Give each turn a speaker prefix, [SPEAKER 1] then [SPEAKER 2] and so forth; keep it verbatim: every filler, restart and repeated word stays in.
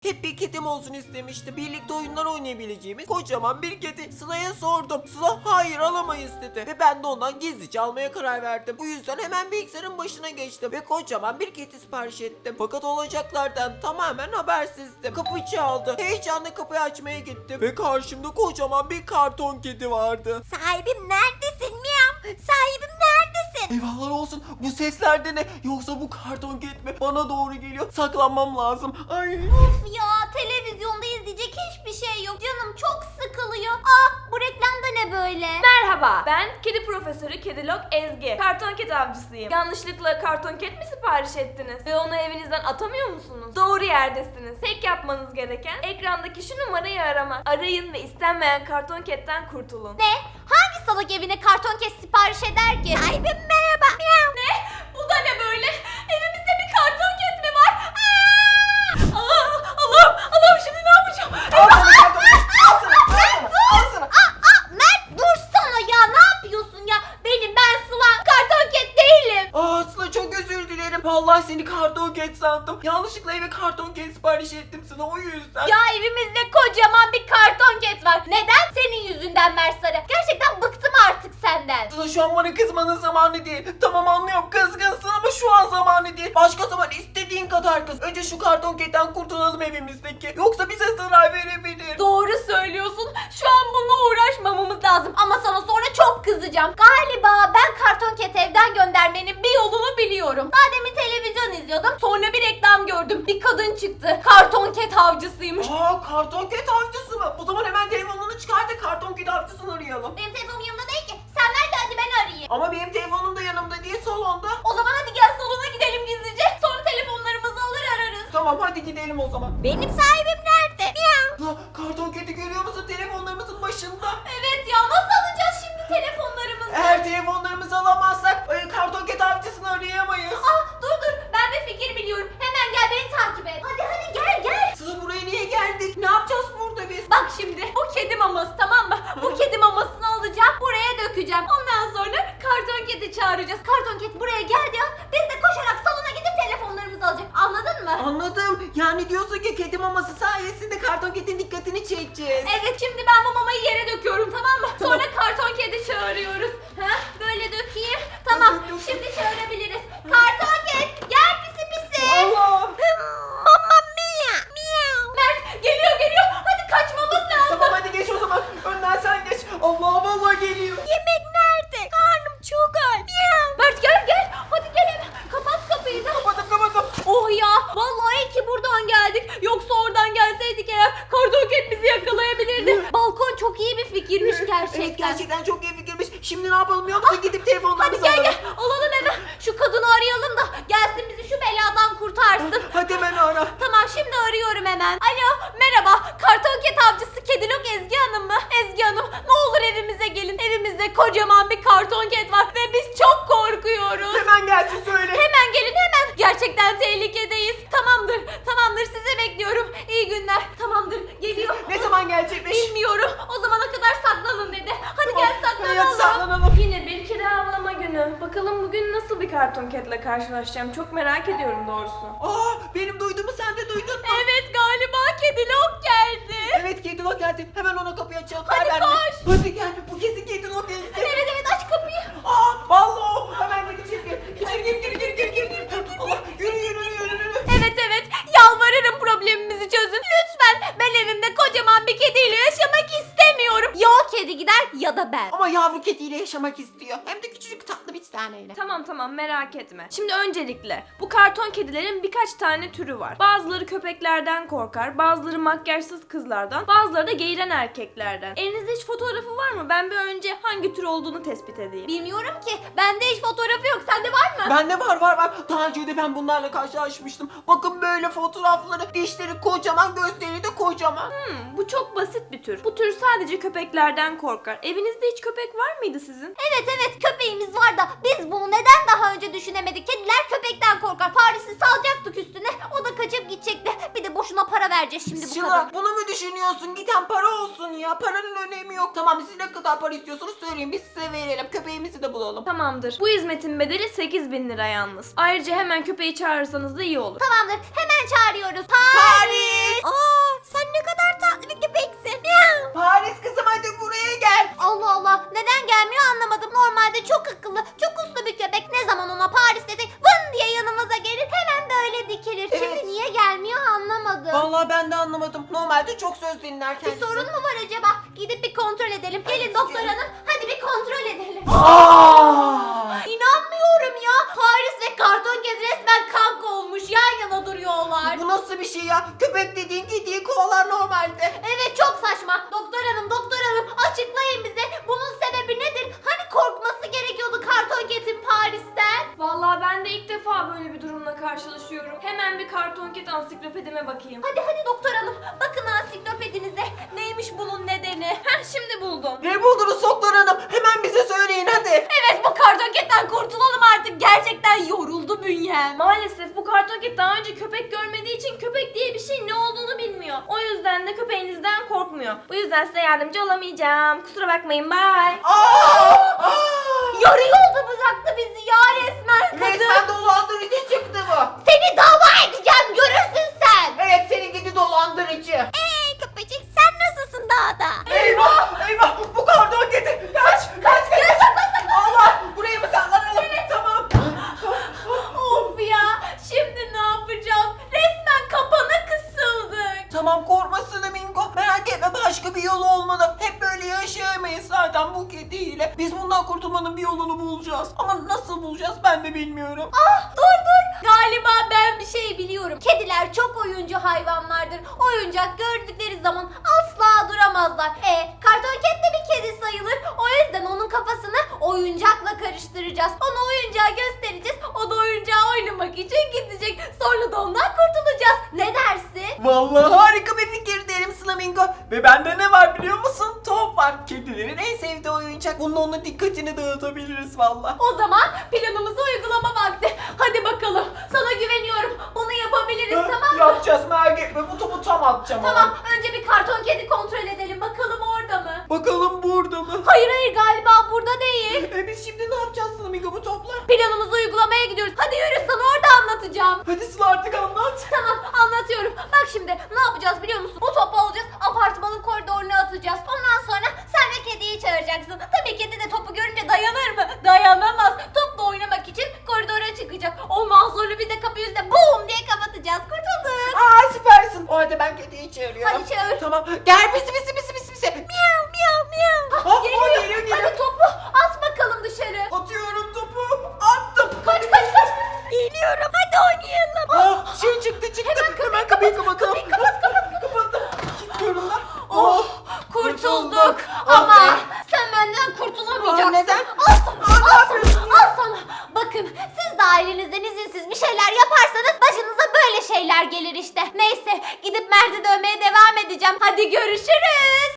[SPEAKER 1] hep bir kedim olsun istemişti. Birlikte oyunlar oynayabileceğimiz kocaman bir kedi. Sıla'ya sordum. Sıla hayır alamayız dedi. Ve ben de ondan gizlice almaya karar verdim. Bu yüzden hemen bilgisayarın başına geçtim. Ve kocaman bir kedi sipariş ettim. Fakat olacaklardan tamamen habersizdim. Kapı çaldı. Heyecanla kapıyı açmaya gittim. Ve karşımda kocaman bir karton kedi vardı.
[SPEAKER 2] Sahibim neredesin miyav? Sahibim neredesin?
[SPEAKER 1] Eyvahlar olsun. Bu sesler de ne? Yoksa bu karton kedi mi? Bana doğru geliyor. Saklanmam lazım. Ay.
[SPEAKER 2] Of ya, televizyonda izleyecek hiçbir şey yok. Canım çok sıkılıyor. Aa, bu reklamda ne böyle?
[SPEAKER 3] Merhaba, ben kedi profesörü Kedilog Ezgi. Karton ket avcısıyım. Yanlışlıkla karton ket mi sipariş ettiniz? Ve onu evinizden atamıyor musunuz? Doğru yerdesiniz. Tek yapmanız gereken ekrandaki şu numarayı aramak. Arayın ve istenmeyen karton ketten kurtulun.
[SPEAKER 2] Ne? Hangi salak evine karton kes sipariş eder ki? Sahibim merhaba. Miyav.
[SPEAKER 3] Ne? Bu da ne böyle? Evimizde bir karton ket mi var? Aa! Aa, Allah'ım, Allah'ım şimdi ne yapacağım?
[SPEAKER 1] Al sana karton kedi. Al sana. Al sana. Al sana.
[SPEAKER 2] Aa, aa, Mert dursana ya, ne yapıyorsun ya? Benim ben Sıla, karton ket değilim.
[SPEAKER 1] Aa Sıla çok özür dilerim. Vallahi seni karton ket sandım. Yanlışlıkla eve karton ket sipariş ettim sana o yüzden.
[SPEAKER 2] Ya evimizde kocaman bir karton ket var. Neden? Senin yüzünden Mert Sarı. Gerçekten bıktım artık senden.
[SPEAKER 1] Sıla şu an bana kızmanın zamanı değil. Tamam anlıyorum kızgınsın ama şu an zamanı değil. Başka zaman istediğin kadar kız. Önce şu karton ketten kurtulalım evimizdeki. Yoksa bize zarar verebilir.
[SPEAKER 2] Doğru söylüyorsun. Şu an bununla uğraşmamamız lazım. Ama sana sonra çok kızacağım. Galiba ben karton ket evden göndermenin bir yolunu biliyorum. Daha demin televizyon izliyordum. Sonra bir reklam gördüm. Bir kadın çıktı. Karton ket avcısıymış.
[SPEAKER 1] Aa karton ket avcısı mı? O zaman hemen telefonunu çıkar da karton ket avcısını arayalım.
[SPEAKER 2] Benim telefonum yanımda değil ki. Sen ver de hadi ben arayayım.
[SPEAKER 1] Ama benim telefonum da yanımda değil salonda.
[SPEAKER 2] O zaman hadi gel salona gidelim gizlice. Sonra telefonlarımızı alır ararız.
[SPEAKER 1] Tamam hadi gidelim o zaman.
[SPEAKER 2] Benim sahibim nerede? Miyav.
[SPEAKER 1] Sıla karton keti görüyor musun telefonlarımızın başında?
[SPEAKER 2] Evet ya, nasıl alacağız şimdi telefonlarımızı?
[SPEAKER 1] Eğer telefonlarımızı alamazsak e, karton ket avcısını arayamayız.
[SPEAKER 2] Ah dur dur, ben bir fikir biliyorum. Hemen gel beni takip et. Hadi hadi gel gel.
[SPEAKER 1] Sıla buraya niye geldik? Ne yapacağız burada biz?
[SPEAKER 2] Bak şimdi bu kedi maması, tamam mı? Bu kedi mamasını alacağım, buraya dökeceğim. Ondan sonra karton kedi çağıracağız. Karton kedi buraya geldi ya. Biz de koşarak salona gidip telefonlarımızı alacak. Anladın mı?
[SPEAKER 1] Anladım. Yani diyorsun ki kedi maması sayesinde karton ketin dikkatini çekeceğiz.
[SPEAKER 2] Evet, şimdi ben bu mamayı yere döküyorum, tamam mı? Sonra karton kedi çağırıyoruz. Ha? Böyle dökeyim. Tamam,
[SPEAKER 1] Dök, dök, dök.
[SPEAKER 2] şimdi çağırabiliriz. Karton kedi gel pisi pisi.
[SPEAKER 1] Allah.
[SPEAKER 2] Mama mia. Miau. Mert geliyor geliyor. Hadi kaçmamız lazım.
[SPEAKER 1] Tamam hadi geç o zaman. Önden sen geç. Allah vallahi geliyor.
[SPEAKER 2] Yemek nerede? Karnım çok aç. Miau. Mert gel gel. Hadi gel hemen. Kapat kapıyı da.
[SPEAKER 1] Kapadım kapadım.
[SPEAKER 2] Oh ya. Vallahi iyi ki buradan geldik. Yoksa oradan gelseydik eğer karton ket bizi yakalayabilirdi. Balkon çok iyi bir fikirmiş gerçekten.
[SPEAKER 1] Evet gerçekten çok iyi fikirmiş. Şimdi ne yapalım biliyor musun? Gidip telefonlarımızı
[SPEAKER 2] Hadi gel
[SPEAKER 1] alalım.
[SPEAKER 2] gel. Alalım hemen. Şu kadını arayalım da gelsin bizi şu beladan kurtarsın.
[SPEAKER 1] Hadi hemen ara.
[SPEAKER 2] Tamam, şimdi arıyorum hemen. Alo, merhaba. Karton ket avcısı Kedilog Ezgi Hanım mı? Ezgi Hanım, ne olur evimize gelin. Evimizde kocaman bir karton ket var ve biz çok korkuyoruz.
[SPEAKER 1] Hemen gelsin söyle.
[SPEAKER 2] Hemen gelin hemen. Gerçekten tehlikedeyiz. Tamamdır, tamamdır. Sizi bekliyorum. İyi günler. Tamamdır, geliyor.
[SPEAKER 1] Ne zaman gelecekmiş?
[SPEAKER 2] Bilmiyorum. O zamana kadar saklanın dedi. Hadi gel
[SPEAKER 1] Hadi
[SPEAKER 2] saklanalım.
[SPEAKER 1] saklanalım.
[SPEAKER 3] Yine bir kedi avlama günü. Bakalım bugün nasıl bir karton ketle karşılaşacağım. Çok merak ediyorum doğrusu.
[SPEAKER 1] Aa benim duyduğumu sen de duydun mu?
[SPEAKER 2] Evet, galiba Kedilog geldi.
[SPEAKER 1] Evet kedilok geldi. Hemen ona kapıyı açalım.
[SPEAKER 2] Hadi
[SPEAKER 1] Ver, ver.
[SPEAKER 2] koş.
[SPEAKER 1] Hadi gel. Bu kesin kedilok geldi.
[SPEAKER 2] Evet evet, aç kapıyı.
[SPEAKER 1] Aa vallahi o. Hemen gir içeri gir. İçeri gir gir gir gir gir gir. Allah yürü yürü yürü yürü.
[SPEAKER 2] Evet evet, yalvarırım problemimizi çözün. Lütfen, ben evimde kocaman bir kediyle yaşamak istemiyorum. Ya o kedi gider ya da ben.
[SPEAKER 1] Ama yavru kediyle yaşamak istiyor. Hem de küçücük tatlı bir taneyle.
[SPEAKER 3] Tamam tamam merak etme. Şimdi öncelikle bu karton kedilerin birkaç tane türü var. Bazıları köpeklerden korkar, bazıları makyajsız kızlardan, bazıları da geğiren erkeklerden. Elinizde hiç fotoğrafı var mı? Ben bir önce hangi tür olduğunu tespit edeyim.
[SPEAKER 2] Bilmiyorum ki, bende hiç fotoğrafı yok. Sende var mı?
[SPEAKER 1] Bende var var var. Daha önce de ben bunlarla karşılaşmıştım. Bakın böyle fotoğrafları. Dişleri kocaman, gözleri de kocaman.
[SPEAKER 3] Hmm, bu çok basit bir tür. Bu tür sadece köpeklerden korkar. Evinizde hiç köpek var mıydı sizin?
[SPEAKER 2] Evet evet, köpeğimiz var da biz bunu neden daha önce düşünemedik? Kediler köpekten korkar. Paris'i salacaktık üstüne. O da kaçıp gidecekti. Bir de boşuna para vereceğiz şimdi bu
[SPEAKER 1] Sıla
[SPEAKER 2] kadar.
[SPEAKER 1] bunu mu düşünüyorsun? Giden para olsun ya. Paranın önemi yok. Tamam siz ne kadar para istiyorsunuz söyleyin. Biz size verelim. Köpeğimizi de bulalım.
[SPEAKER 3] Tamamdır. Bu hizmetin bedeli sekiz bin lira yalnız. Ayrıca hemen köpeği çağırırsanız da iyi olur.
[SPEAKER 2] Tamamdır, hemen çağırıyoruz.
[SPEAKER 1] Paris!
[SPEAKER 2] Aa,
[SPEAKER 1] Vallahi ben de anlamadım. Normalde çok söz dinler
[SPEAKER 2] Bir
[SPEAKER 1] kendisi.
[SPEAKER 2] sorun mu var acaba? Gidip bir kontrol edelim. Gelin doktor hanım. Hadi bir kontrol edelim.
[SPEAKER 1] Aa!
[SPEAKER 2] İnanmıyorum ya. Paris ve karton kedi resmen kanka olmuş. Yan yana duruyorlar.
[SPEAKER 1] Bu nasıl bir şey ya? Köpek dediğin kediyi kovalar normalde.
[SPEAKER 2] Evet çok saçma. Doktor hanım, doktor hanım açıklayın bize. Bunun sebebi nedir? Hani korkması gerekiyordu karton kedin Paris'ten?
[SPEAKER 3] Vallahi ben de ilk defa böyle bir durumla karşılaşıyorum. Hemen bir karton ket ansiklopedime bakayım.
[SPEAKER 2] Hadi hadi doktor hanım. Bakın ansiklopedinize. Neymiş bunun nedeni?
[SPEAKER 3] Heh, şimdi buldum.
[SPEAKER 1] Ne buldunuz doktor hanım? Hemen bize söyleyin hadi.
[SPEAKER 2] Evet bu karton ketten kurtulalım artık. Gerçekten yoruldu bünyem.
[SPEAKER 3] Maalesef bu karton ket daha önce köpek görmediği için köpek diye bir şey ne olduğunu bilmiyor. O yüzden de köpeğinizden korkmuyor. Bu yüzden size yardımcı olamayacağım. Kusura bakmayın, bye.
[SPEAKER 1] Aa! Aa!
[SPEAKER 2] Yarı yolda bıraktı bizi ya resmen kadın.
[SPEAKER 1] Resmen dolandırıcı çıktı bu.
[SPEAKER 2] Seni dava edeceğim görürsün sen.
[SPEAKER 1] Evet senin gidi dolandırıcı.
[SPEAKER 2] Hey köpecik sen nasılsın dağda?
[SPEAKER 1] Eyvah! Eyvah! Bu karton kedi! Kaç! Kaç! Kaç! Allah! Burayı mı saklanalım? Evet tamam.
[SPEAKER 2] Of ya şimdi ne yapacağız? Resmen kapana kısıldık.
[SPEAKER 1] Tamam korkmasın Mingo. Merak etme başka bir yolu olmalı. Hep böyle yaşayamayız zaten bu kediyle. Biz bundan kurtulmanın bir yolunu bulacağız. Ama nasıl bulacağız ben de bilmiyorum.
[SPEAKER 2] Ah dur dur. Galiba ben bir şey biliyorum. Kediler çok oyuncu hayvanlardır. Oyuncak gördükleri zaman asla duramazlar. E karton ket de bir kedi sayılır. O yüzden onun kafasını oyuncakla karıştıracağız. Ona oyuncağı göstereceğiz. O da oyuncağı oynamak için gidecek. Sonra da ondan kurtulacağız. Ne dersin?
[SPEAKER 1] Vallahi harika bir fikir derim Flamingo. Ve bende ne var biliyor musun? Top var. Kedilerin en sevdiği oyuncak. Bununla onun dikkatini dağıtabiliriz vallahi.
[SPEAKER 2] O zaman planımızı uygulama vakti. Hadi bakalım. Sana güveniyorum. Bunu yapabiliriz tamam mı?
[SPEAKER 1] Yapacağız merak etme. Bu topu tam atacağım ama.
[SPEAKER 2] Tamam. Önce bir karton kedi kontrol edelim. Bakalım orada mı?
[SPEAKER 1] Bakalım burada mı?
[SPEAKER 2] Hayır hayır galiba burada değil.
[SPEAKER 1] E biz şimdi ne yapacağız Flamingo bu topla?
[SPEAKER 2] Planımızı uygulamaya gidiyoruz. Hadi yürü sana orada anlatacağım.
[SPEAKER 1] Hadi Sıla artık anlat.
[SPEAKER 2] Tamam anlatıyorum. Bak şimdi ne yapacağız biliyor musun? Bu topu alacağız apartmanın koridoruna atacağız. Ondan sonra sen de kediyi çağıracaksın. Tabii kedi de topu görünce dayanır mı? Dayanamaz. Topla oynamak için koridora çıkacak. Ondan sonra biz de kapıyı üstüne bum diye kapatacağız. Kurtulduk.
[SPEAKER 1] Aa süpersin. O halde ben kediyi çağırıyorum.
[SPEAKER 2] Hadi çağır.
[SPEAKER 1] Tamam. Gel pisi pisi pisi pisi pisi.
[SPEAKER 2] Miyav miyav miyav.
[SPEAKER 1] Ah,
[SPEAKER 2] Geliyor.
[SPEAKER 1] o geliyor, geliyor.
[SPEAKER 2] Hadi topu at bakalım dışarı.
[SPEAKER 1] Atıyorum topu. Attım.
[SPEAKER 2] Kaç kaç kaç. Geliyorum hadi oynayalım.
[SPEAKER 1] Ah, şey çıktı çıktı. Hemen kapıyı, kapatalım.
[SPEAKER 2] Kapıyı kapat kapat kapat.
[SPEAKER 1] Kapattım. Kilitliyorum ben.
[SPEAKER 2] Oh, kurtulduk.
[SPEAKER 1] kurtulduk.
[SPEAKER 2] Ama
[SPEAKER 1] Ah be.
[SPEAKER 2] sen benden kurtulamayacaksın.
[SPEAKER 1] Aa, neden?
[SPEAKER 2] Al sana,
[SPEAKER 1] Aa, ne
[SPEAKER 2] al
[SPEAKER 1] yapıyorsun
[SPEAKER 2] sana, al sana. Bakın siz de ailenizden izinsiz bir şeyler yaparsanız başınıza böyle şeyler gelir işte. Neyse gidip Mert'i dövmeye devam edeceğim. Hadi görüşürüz.